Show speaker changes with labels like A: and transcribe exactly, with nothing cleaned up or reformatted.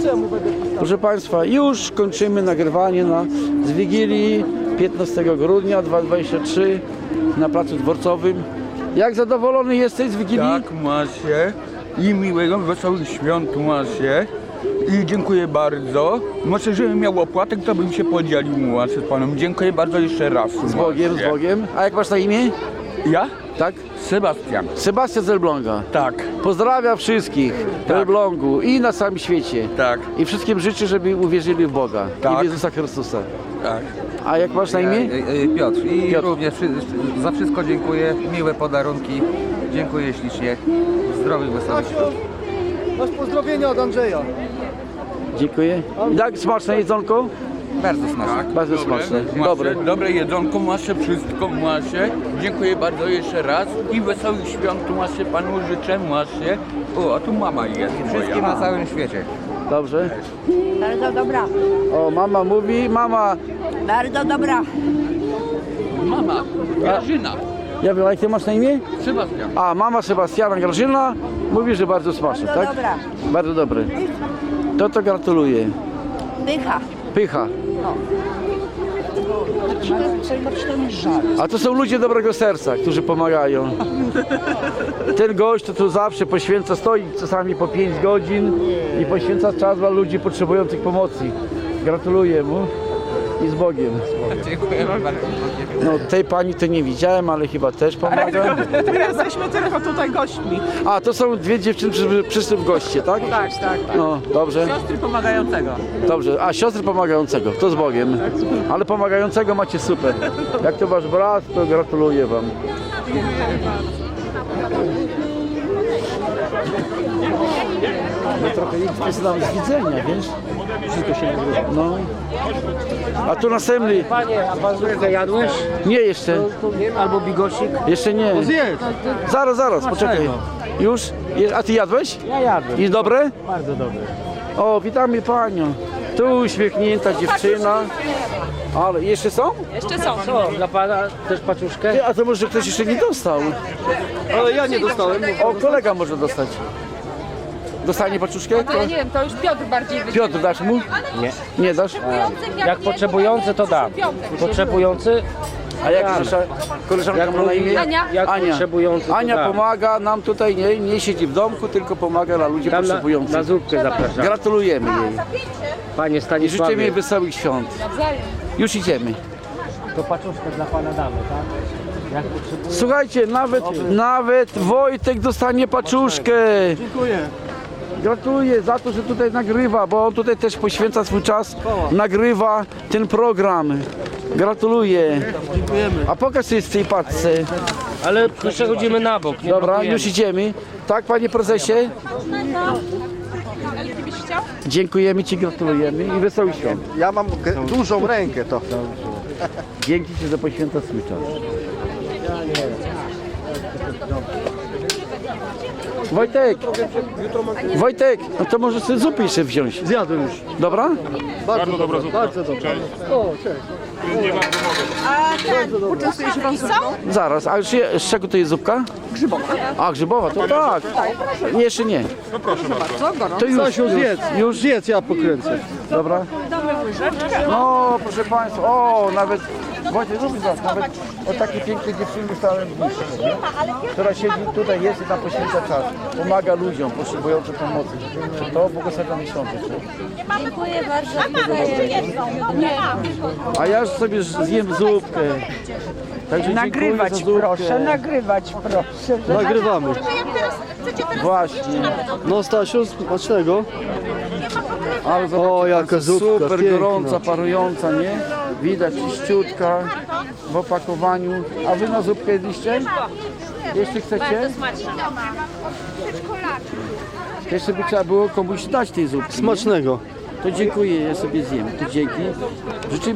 A: Proszę Państwa, już kończymy nagrywanie na, z Wigilii piętnastego grudnia dwa tysiące dwudziestego trzeciego na Placu Dworcowym. Jak zadowolony jesteś z Wigilii?
B: Tak, macie. I miłego, wesołych świąt macie. I dziękuję bardzo. Może, żebym miał opłatek, to bym się podzielił macie z panem. Dziękuję bardzo jeszcze raz.
A: Z Bogiem, z Bogiem. A jak masz na imię?
B: Ja?
A: Tak?
B: Sebastian.
A: Sebastian z Elbląga.
B: Tak,
A: Pozdrawiam wszystkich w
B: Tak.
A: Elblągu i na całym świecie.
B: tak,
A: I wszystkim życzę, żeby uwierzyli w Boga i
B: Tak.
A: w Jezusa Chrystusa.
B: tak.
A: A jak masz na imię?
C: E, e, Piotr. I
A: Piotr.
C: również wszy- za wszystko dziękuję. Miłe podarunki. Dziękuję ślicznie. Zdrowych, wesołych świąt.
D: Masz pozdrowienia od Andrzeja.
A: Dziękuję. I tak smaczne jedzonko?
C: Bardzo smaczne.
A: Bardzo smaczne.
B: Macie,
A: Dobre.
B: dobre jedzonko macie, wszystko macie. Dziękuję bardzo jeszcze raz. I wesołych świąt macie, panu życzę macie. O, a tu mama jest.
C: Wszystkim
B: moja.
C: na całym świecie.
A: Dobrze.
E: Bardzo dobra,
A: O, mama mówi, mama,
E: bardzo dobra.
B: Mama, Grażyna,
A: ja wiem, jak ty masz na imię?
B: Sebastian.
A: A, mama Sebastiana Grażyna mówi, że bardzo smaczne,
E: Bardzo
A: tak?
E: dobra.
A: Bardzo dobre. To to gratuluję.
E: Pycha.
A: Pycha. A to są ludzie dobrego serca, którzy pomagają. Ten gość to tu zawsze poświęca, stoi czasami po pięć godzin i poświęca czas dla ludzi potrzebujących pomocy. Gratuluję mu i z Bogiem.
C: Dziękuję bardzo.
A: No tej pani to nie widziałem, ale chyba też pomaga.
F: Jesteśmy tylko tutaj gośćmi.
A: A, to są dwie dziewczyny przy- przyszły w goście, tak?
F: Tak, tak, tak.
A: No, dobrze,
F: Siostry pomagającego.
A: dobrze. A, siostry pomagającego, to z Bogiem. Ale pomagającego macie super. Jak to wasz brat, to gratuluję wam. No trochę ich jest nam z widzenia, wiesz? Wszystko się nagrywa. No. A tu następny.
D: Panie, a bazurkę jadłeś?
A: Nie jeszcze.
D: Albo bigosik?
A: Jeszcze nie.
D: Zjedz.
A: Zaraz, zaraz, poczekaj. Już? Je- A ty jadłeś?
D: Ja jadłem.
A: I dobre?
D: Bardzo dobre.
A: O, witamy panią. Tu uśmiechnięta dziewczyna. Ale jeszcze są?
D: Co, dla pana też paczuszkę?
A: Ty, a to może ktoś jeszcze nie dostał.
D: Ale ja nie dostałem.
A: O, kolega może dostać. Dostanie paczuszkę?
G: To ja nie wiem, to już Piotr bardziej wycina.
A: Piotr, dasz mu?
D: Nie.
A: Nie dasz?
D: Jak potrzebujący to dam. Potrzebujący,
A: A jak nasza koleżanka ma na imię?
G: Ania.
D: jak
A: Ania.
D: potrzebujący to
A: Ania
D: dam.
A: pomaga nam tutaj, nie, nie siedzi w domku, tylko pomaga dla ludzi
D: Tam na,
A: potrzebujących.
D: na zupkę zapraszam.
A: Gratulujemy jej.
D: Panie
A: I życzymy jej
D: Stanisławie,
A: wesołych świąt. Już idziemy.
D: to paczuszkę dla pana damy, tak? Jak potrzebuje.
A: Słuchajcie, nawet, nawet Wojtek dostanie paczuszkę.
D: Dziękuję.
A: Gratuluję za to, że tutaj nagrywa, bo on tutaj też poświęca swój czas, nagrywa ten program. Gratuluję.
D: Dziękujemy.
A: A pokaż coś z tej paczce.
D: Ale przechodzimy na bok. Nie
A: Dobra,
D: blokujemy.
A: już idziemy. Tak, panie prezesie? Dziękujemy ci, gratulujemy i wesołych świąt.
D: Ja mam dużą rękę to.
A: Dzięki ci, że poświęca swój czas. Wojtek, Wojtek, no to może sobie zupy jeszcze wziąć.
D: Zjadłem już.
A: Dobra?
D: Bardzo dobra zupa. Bardzo dobra. O, cześć.
G: Poczęstuje się pan zupą?
A: Zaraz, a już je, z czego to jest zupka? Grzybowa. A, grzybowa, to tak. Nie, jeszcze nie. No proszę bardzo. To już,
D: Stasiu,
A: już,
D: zjedz.
A: już.
D: Zjedz, ja pokręcę.
A: Dobra. No, proszę Państwa, o, nawet Wojciech, zrób nas, nawet o takiej pięknej dziewczyny stałem w bliższej, która siedzi tutaj, jest i tam poświęca czas, pomaga ludziom potrzebującym pomocy. To błogosławiamy świąt.
E: Dziękuję bardzo.
A: A ja już sobie zjem zupkę. Także
F: Nagrywać
A: dziękuję za
F: proszę,
A: zupkę.
F: nagrywać proszę.
D: Nagrywamy.
A: Właśnie.
D: No Stasiu, smacznego.
A: Ale zobaczcie
D: O, jaka
A: państwo,
D: zupka,
A: super
D: piękna.
A: gorąca, parująca, nie? Widać czyściutka w opakowaniu. A wy na zupkę jedliście? Jeśli chcecie? Jeszcze by trzeba było komuś dać tej zupki. nie?
D: Smacznego.
A: To dziękuję, ja sobie zjem. To dzięki. Życzymy